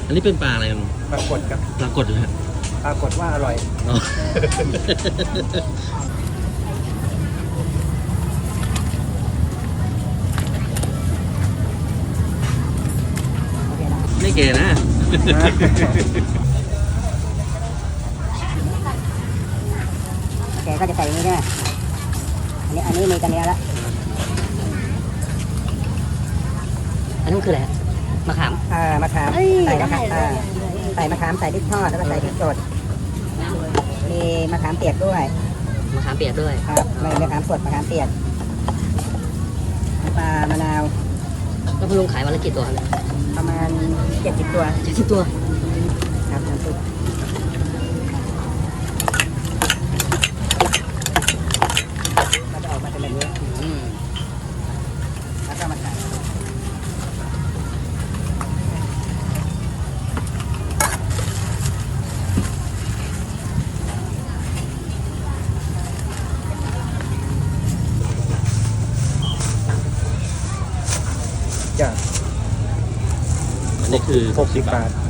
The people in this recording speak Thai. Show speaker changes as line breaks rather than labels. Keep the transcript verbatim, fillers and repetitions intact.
อันนี้เป็นปลาอะไรกัน
ปรากฏครับ
ปลากดนะฮะ
ปรากฏว่าอร่อย
อ๋อ ไม่เก๋นะ
แกก็จะใส่อย่างนี้ใช่ไหมอันนี้อันนี้มีกันเนี้ยละอันนั้นคืออะไรมะขามอ่ามะขามใส่มะขามอ่าใส่มะขามใส่พริกทอดแล้วก็ใส่พริกสดมีมะขามเปียกด้วยมะขามเปียกด้วยครับไม่มะขามสดมะขามเปียกน้ำปลามะนาวแล้วคุณลุงขายวันละกี่ตัวครับประมาณเจ็ดสิบตัวเจ็ดสิบตัวครับน้ำซุปก็จะออกมาเป็นแบบนี้แล้วก็มาใส่
จ้ะ
อันนี้คือ
หกสิบบาท